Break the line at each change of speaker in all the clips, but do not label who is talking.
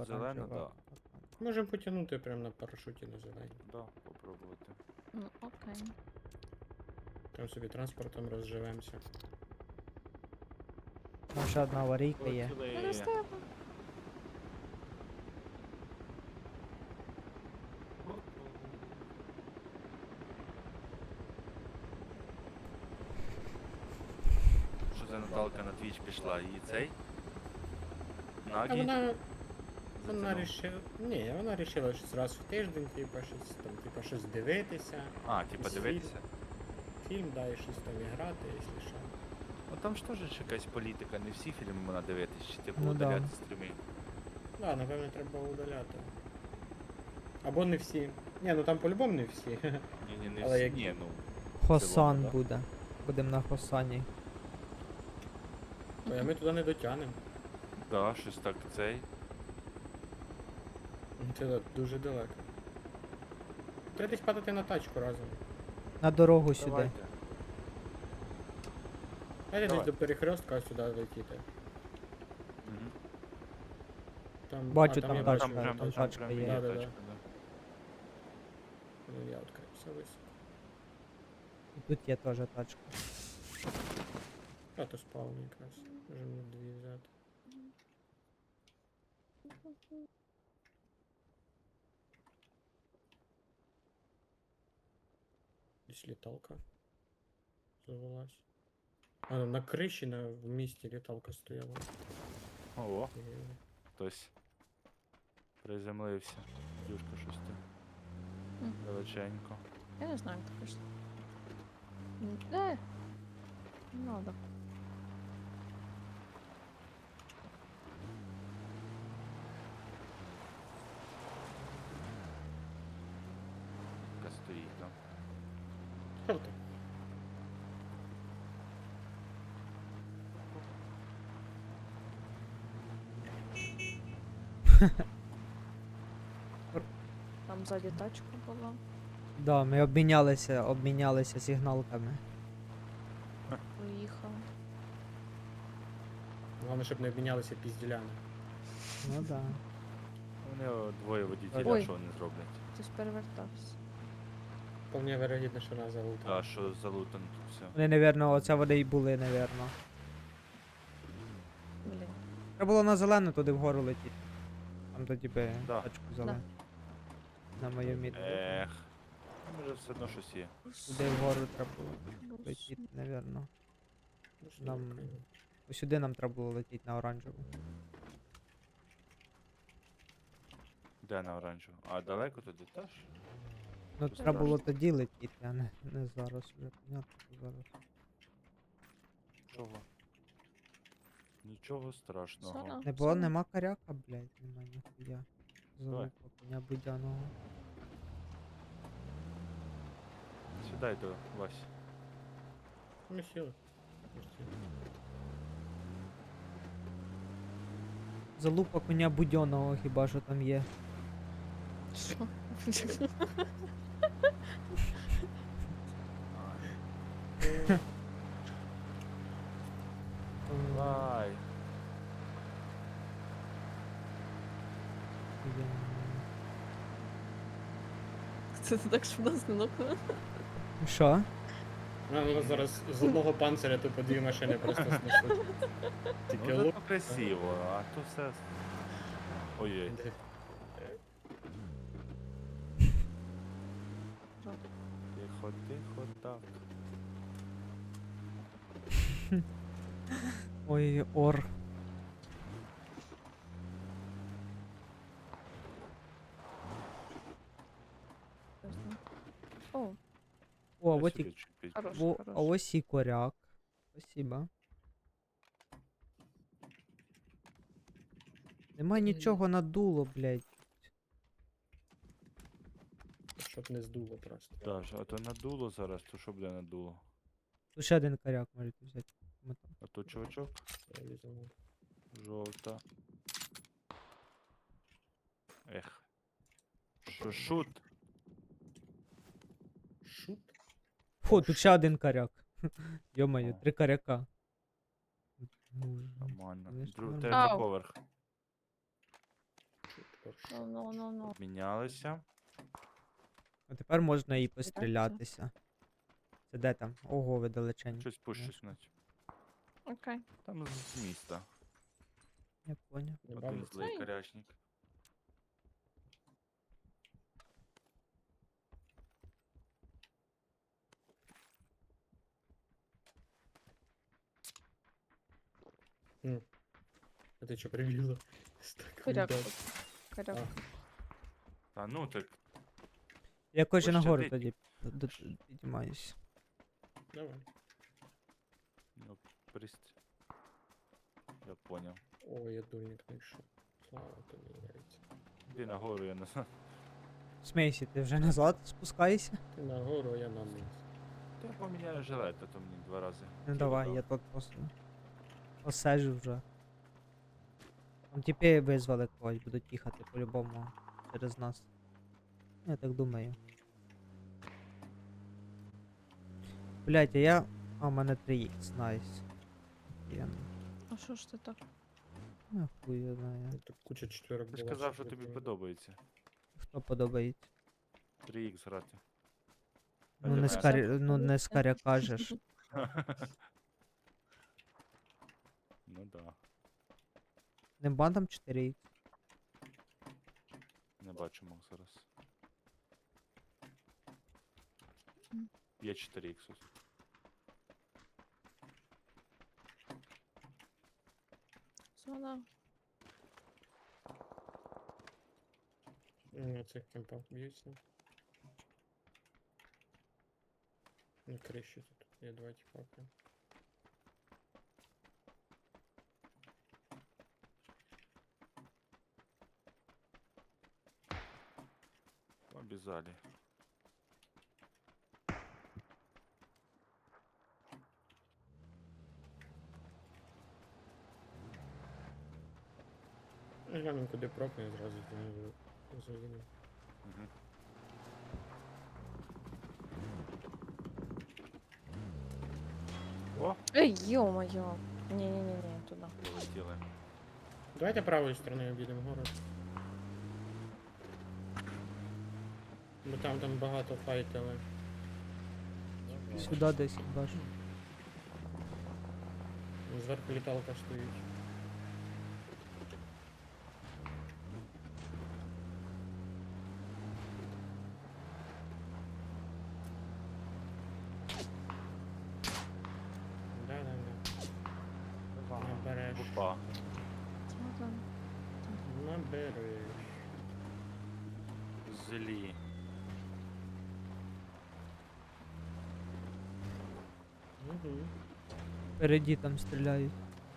зелену, да.
Можемо потягнути прямо на парашуті на зелені.
Да, попробувати.
Ну, окей.
Там собі транспортом розживемося.
Там ще одна аварійка є.
Ну,
Полетіли.
не з тебе.
Що за Наталка на твіч пішла? І цей?
А
Нагі?
вона
Затягнув?
рішила. Ні, вона рішила щось раз в тиждень, типа щось дивитися.
А, типа
Світ.
дивитися?
Фільм, да, і щось там і грати, якщо що.
Ну там ж теж якась політика, не всі фільми можна дивитись, чи типу
Ну да.
удаляти стріми.
Да, напевно, треба удаляти. Або не всі. Ні, ну там по-любому не всі.
Ні, не
Але
всі,
як-
ні, ну.
Хосан
да?
буде. Будемо на Хосані.
Ой, а ми туди не дотягнемо.
Да, щось так цей.
Це дуже далеко. Треба десь падати на тачку разом.
На дорогу сюди.
Давайте.
Дайте десь
Давай.
до перехрестка сюди летіти.
Мгм.
Там,
Бачу,
там
там
я
тачка,
бачу,
там тачка є.
Да, да, да.
тачка, да.
Ну, я відкрився високо.
І тут є теж тачка.
А то спавн якраз. Можемо дві взяти. Десь літалка завелась. А, на криші в місті літалка стояла.
Ого,
Е,
хтось приземлився. Дюшка щось там.
Мгм.
Величенько.
Я не знаю, як так пішло. Не надо.
Яка стоїть там.
Що ти?
Там ззаді тачка була.
Да, ми обмінялися сигналками.
Поїхав.
Головне, щоб не обмінялися пізділями.
Ну да.
Вони двоє водітелів,
Ой.
що вони зроблять.
Хтось перевертався.
Вполне вирогідно, що нас залутали.
А що залутано тут все.
Вони, напевно, оце вони й були, напевно.
Блін.
Треба було на зелену туди вгору летіти. Там тоді би
Да.
тачку взяли. На мою мітку.
Ех. Може все одно щось є.
Туди вгору треба було летіти, напевно.
Ну, що
Нам-
таке?
Ось сюди нам треба було летіти на оранжеву.
Де на оранжеву? А далеко туди теж?
Ну
Просто
треба було
страшно.
тоді летіти, а не зараз вже. Понятно, що зараз.
Чого? Нічого страшного.
Сона.
Не було,
Сона.
нема коряка, блядь, нема ніхуя.
Давай.
Залупа коня будяного.
Сідай до Васі.
Ми сіли. Ми сіли.
Залупа коня будьоного хіба що там є.
Що?
Давай.
Це ти так швидко не нокнула?
Що?
Ну, зараз з одного панциря тупо дві машини просто снесуть. Тільки
Ну
лук.
це красиво, а то все. Ой-ой. Тихо, тихо, так.
Ой, ор.
О,
О,
Я
от
сюди
і,
чуть
хорош,
а
хорош.
ось і коряк. Спасибо. Нема нічого надуло, блядь.
Щоб не здуло просто.
Даже, а то надуло зараз, то що буде надуло?
Тут ще один коряк можете взяти. Ми там.
А то чувачок,
Я візьму.
жовта. Ех. Шут.
Шут?
Фу, тут ще один коряк. Йо-моє, 3 коряка. Ну,
Нормально.
Конечно,
Друг,
нормально.
третій
Ау.
поверх.
Хорошо.
Ну.
Мінялися.
А тепер можна і пострілятися. Це де там? Ого, ви далеченько.
Щось пущуть, наче.
Окей.
Там з міста.
Я поняв.
Не
Один
бачу.
злий корячник.
А ти що прибігла? З такою
Коряк.
датою?
Коряк.
А.
Та ну так,
Я хочу нагору
Пощадить.
тоді піднімаюся.
Давай.
ну, пристрій. Я поняв.
О, я дурник знайшов. Слава тобі, яйця.
Іди нагору, я не знаю.
Смейсі, ти вже назад спускайся?
Ти нагору, а я на низ.
Та я поміняю жилет, а то мені 2 рази.
Ну
Це
давай,
добре.
я тут посежу вже. Там тіпи визвали когось, будуть їхати по-любому через нас. Я так думаю. Блять, а я. А, у мене 3х, найс. Я
А що ж ти так?
не хуй я знаю.
Тут куча четверок
Ти ж
була.
казав, що
я
тобі
думаю.
подобається.
Хто подобається?
3х грати.
Ну не
Альянс.
не скаря кажеш.
Ну да.
Не бандам 4х.
Не бачу мог зараз.
М.
Є 4х.
Зона.
На цих кемпах б'ються. На криші тут є два тіпака.
Обязали.
Глянемо, куди прокне, зразу заїдемо.
Угу. О,
Ей, ё-моё. Не, туда.
полетіли.
Давайте правою стороною обійдемо город. Бо там багато файтили.
Сюди десь бачу.
Зверху літалка стоїть. Да. Набереш.
Опа.
Зона.
Набереш.
Злі.
Угу.
Впереді там стріляють.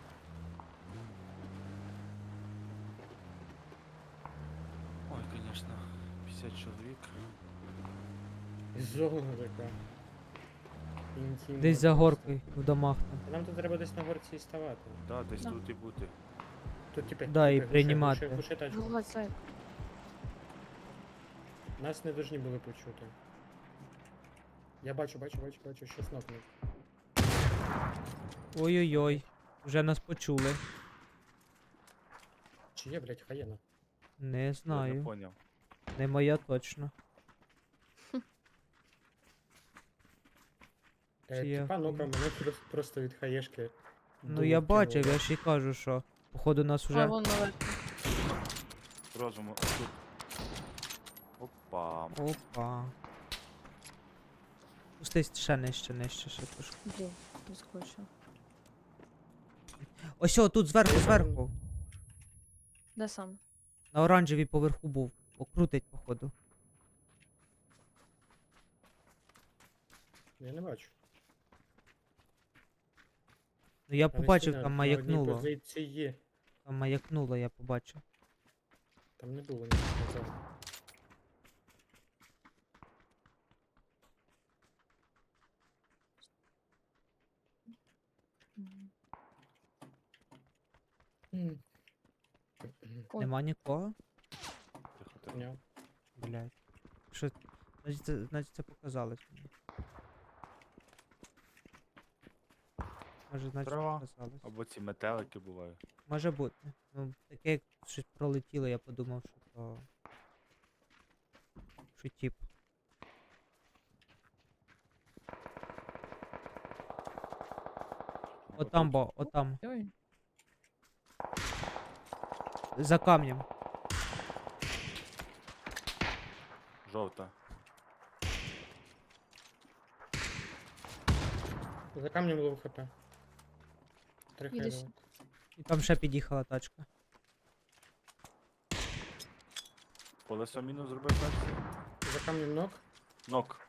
Ой, конечно. 50 чоловік.
Зона така. Інтимна
Десь за
просто.
горкою в домах там.
Нам тут треба десь на горці і ставати.
Да, десь
Да.
тут і бути.
Тут типи.
Да, і
типи,
приймати.
глуши тачку.
Вилазь, зайка.
Нас не должны були почути. Я бачу, щось нокнув.
Ой-ой-ой. Вже нас почули.
Чи є, блядь, хаєна?
Не
Я не
знаю.
поняв.
Не моя точно. Чи є
Типа
хаєна?
нокав мене просто від хаєшки.
Ну я бачив, я ж і кажу, що. Походу нас
А,
уже.
вон наверх.
Розуму. Тут. Опа.
Опа. Спустись ще нижче ще трошки.
Блін, відскочив.
Ось о, тут зверху.
Де сам?
На оранжевій поверху був. Окрутить, походу.
Я не бачу.
Ну я
Але
побачив,
сильно
там
на одній
маякнуло.
позиції.
Там маякнуло, я побачив.
Там не було нічого.
Мгм.
М.
Ой.
Нема нікого?
Тихо.
Ня.
Блять. Що. Значить це показалось мені. Може, значить,
Трава.
показалось.
Або ці метелики бувають.
Може бути. Ну, таке, як щось пролетіло, я подумав, що то. Що тип. Отам, бо, отам.
Ой.
За камнем.
Жовта.
За камнем лов хп. 3
Іди
хп.
сюди.
І там ще під'їхала тачка.
Колесо мінус зробив перший.
За камнем ног.
Нок.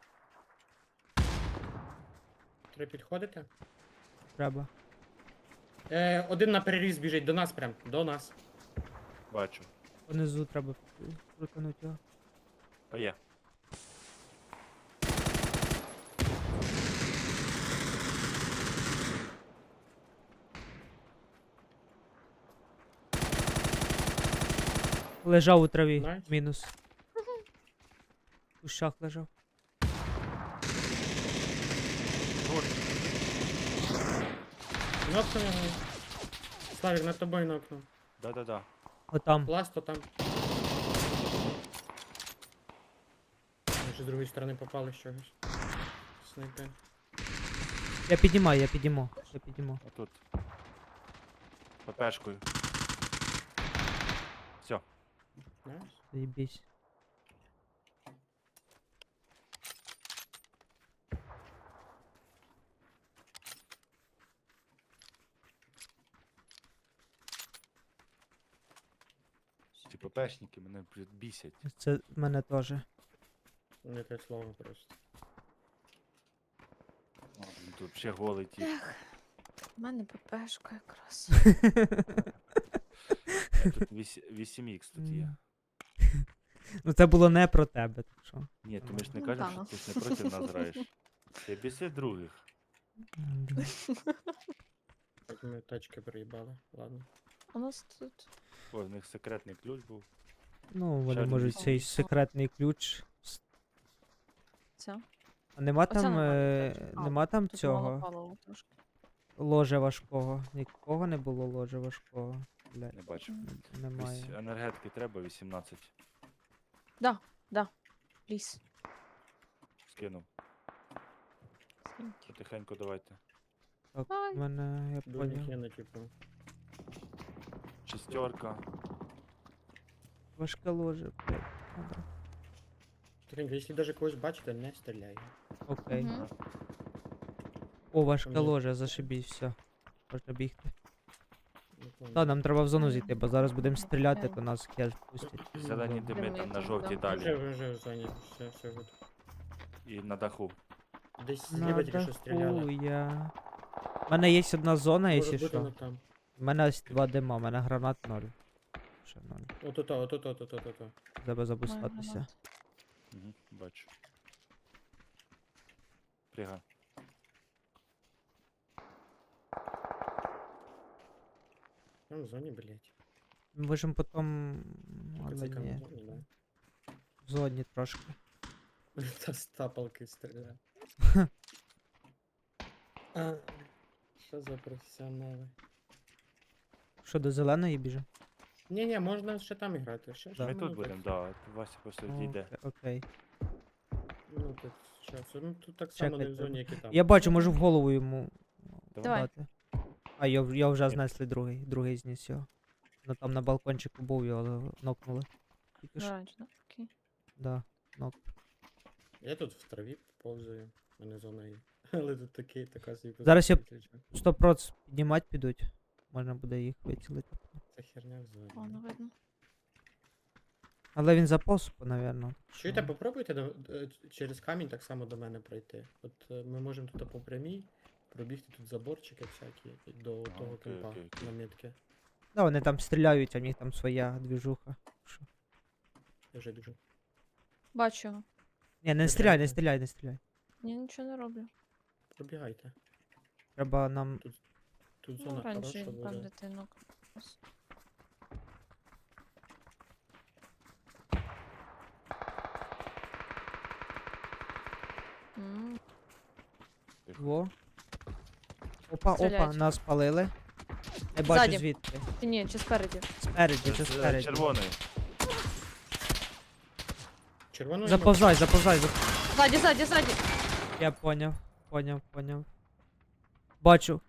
3 підходите.
Треба.
Один на переріз біжить до нас прям. До нас.
Бачу.
Понизу треба крутануть його.
А є.
Лежав у траві.
Найс.
Мінус. У кущах лежав.
Нокнув його. Славік, над тобою нокнув.
Да-да-да.
Отам.
Пласто там. Ми ще з другої сторони попали з чогось. Снайпер.
Я піднімаю, я підніму. Я підніму.
Отут. ППшкою. Все.
Найс.
Заєбісь.
Ці ППшники мене бісять.
Це мене теж.
Не те слово просто.
О, він тут ще голий ті.
У мене ППшка якраз.
Тут 8х тут є.
Ну це було не про тебе, так що.
Ні, то ми ж не
Ну,
кажемо,
та
що
ну.
ти ж не проти нас граєш. Ти біси других.
Так ми тачки приїбали. Ладно.
У нас тут.
О, в них секретний ключ був.
Ну, вони
один
можуть
вісім.
цей секретний ключ.
Ця.
А нема
Оце
там,
нормально, так. А,
нема там
Тут мало
цього
палива трошки.
ложа важкого. Нікого не було ложа важкого. Блядь,
Не бачу.
немає.
Енергетики треба 18.
Пліс.
Скинув. Потихеньку давайте.
Так,
Ай.
в мене, я
Дуже
поняв.
хіно, типу.
Шестерка.
Важке ложе, блядь. Добре.
Тихенько, якщо даже когось бачите, не стріляй.
Окей.
Мгм.
О, важке
Там є-
ложе, зашибісь, все. Можна бігти.
Не понял.
Та, нам треба в зону зійти, бо зараз будемо стріляти,
Окей.
то нас хер пустять.
Зелені
в зону.
дими там на
Дими,
жовтій
да.
Вже,
далі.
вже в зоні. Все гуд.
І на даху.
Десь зліва тільки що стріляли.
я. У мене є одна зона,
Може
якщо
бути
що.
воно там.
У мене ось 2 дима, у мене гранат 0. Ще 0.
Ото.
Треба забустатися.
Угу, бачу. Пригай.
Там в зоні, блять.
Ми можемо потім. Але
Цікаво,
ні.
в зоні, да.
В зоні трошки.
Та з тапалки стріляє. А, що за професіонали?
Що, до зеленої біжимо?
Ні, можна ще там грати. Ще,
Да.
Ми
ну,
тут
так,
будемо, да. Вася просто відійде.
Окей.
Ну тут часу. Ну тут так само не в
Чекайте.
зоні, як і там.
Я бачу, можу в голову йому
Давай.
дати. А, його вже
Ні.
знесли другий зніс його. Ну там на балкончику був, його нокнули. Тільки що.
Оранж, да? Окей.
Да, нок.
Я тут в траві повзаю, в мене зона є. Але тут така собі
Зараз я-
позиція.
100% піднімати підуть. Можна буде їх вицілити.
Це херня в зоні.
О, ну видно.
Але він заповз, напевно.
Чуєте, попробуйте через камінь так само до мене пройти. От ми можемо тут по прямій пробігти тут заборчики всякі і до
Ага,
того
окей,
кемпа
окей, окей.
на метки.
Да, вони там стріляють, а в них там своя двіжуха. Що?
Я вже біжу.
Бачу його.
Ні, не
Це
стріляй, не
правда.
стріляй, не стріляй.
Я нічого не роблю.
Пробігайте.
Треба нам.
Тут
Ну,
зона
оранжевий,
хороша
там
буде.
дитинок.
Во. Опа,
Стріляють.
нас палили. Не бачу
Ззаді.
звідки.
Чи ні, чи спереді?
Спереді, чи
З
спереді.
червоної.
Червону
Заповзай.
Ззаді.
Я поняв. Бачу.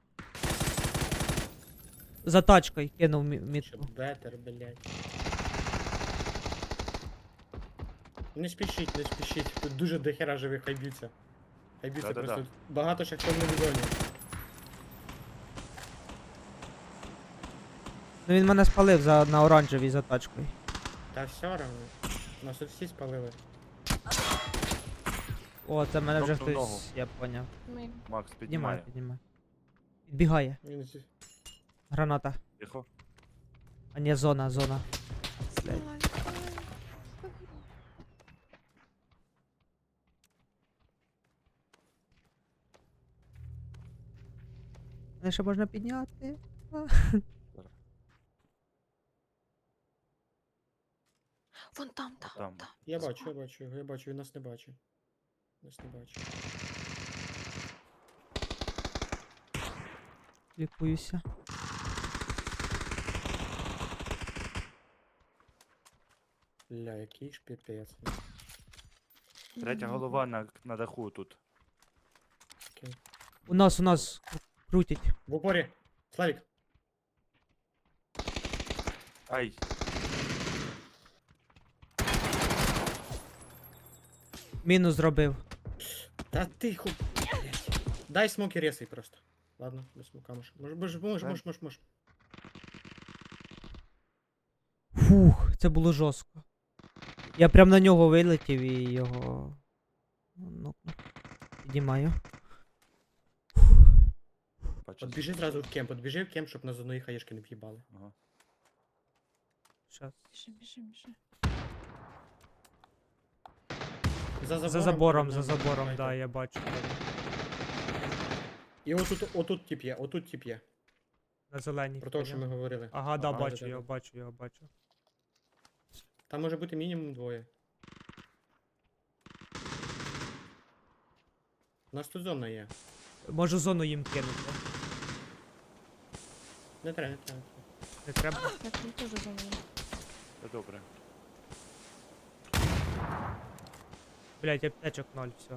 За тачкою кинув мітку.
Бетер, блядь. Не спішіть. Тут дуже дохера живих, хай б'ються. Хай б'ються
Да-да-да.
просто. Багато ще хто в невідомі.
Ну він мене спалив на оранжевій за тачкою.
Та все равно. Нас тут всі спалили.
О, це мене вже
Тобто ногу.
хтось, я поняв.
Ми...
Макс,
Піднімай.
піднімає.
Підбігає.
Він зі-
Граната.
Тихо.
А ні, зона. Блядь. Мене ще можна підняти.
Вон там.
Там.
Я бачу, він нас не бачить. Нас не бачить.
Лікуюся.
Ля, який ж піпець.
Третя голова на даху тут.
Окей.
У нас крутять.
В упорі. Славік.
Ай,
Мінус зробив.
Та тихо. Блядь. Дай смоки ресай просто. Ладно, без смока можеш. Можеш.
Фух, це було жорстко. Я прям на нього вилетів і його. Ну, піднімаю.
бачу.
От біжи зразу в кемп, щоб на зону хаєшки не в'їбали.
Ага.
Щас.
Біжи.
За забором,
давайте.
да, я бачу.
І отут тип є.
На зеленій.
Про те, що ми говорили.
Ага, да,
Ага,
бачу,
да-да-да.
я бачу.
Там може бути мінімум двоє. У нас тут зона є.
Можу зону їм кинути.
Не треба.
Не треба?
Я тут теж за мною.
Це добре.
Блять, аптечок 0, все.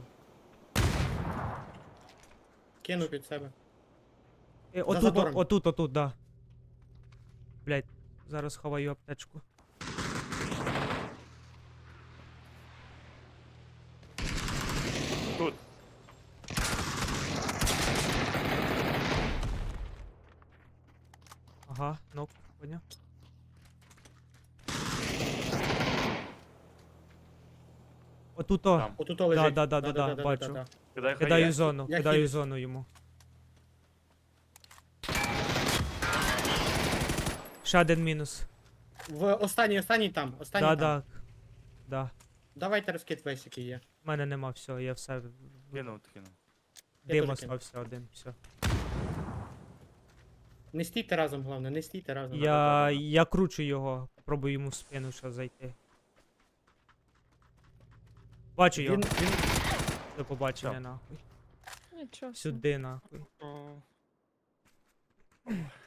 Кину під себе.
Отут,
забором.
отут, да. Блять, зараз ховаю аптечку.
Тут.
Ага, нок, поняв. Отут-о.
Там.
Отут лежить.
Да, бачу.
Кидай
Кидаю
хає.
зону,
Я
кидаю
хилюсь.
зону йому. Ще один мінус.
В останній там. Останній там.
Да.
Давайте розкид весь, який є.
У мене нема всього, я все.
Кинув.
Я
Дим
теж кину.
остався один, все.
Не стійте разом, головне, не стійте разом.
Я кручу його, пробую йому в спину ще зайти. Бачу його,
Він
до побачення
Що?
нахуй.
Нічого. собі.
Сюди нахуй.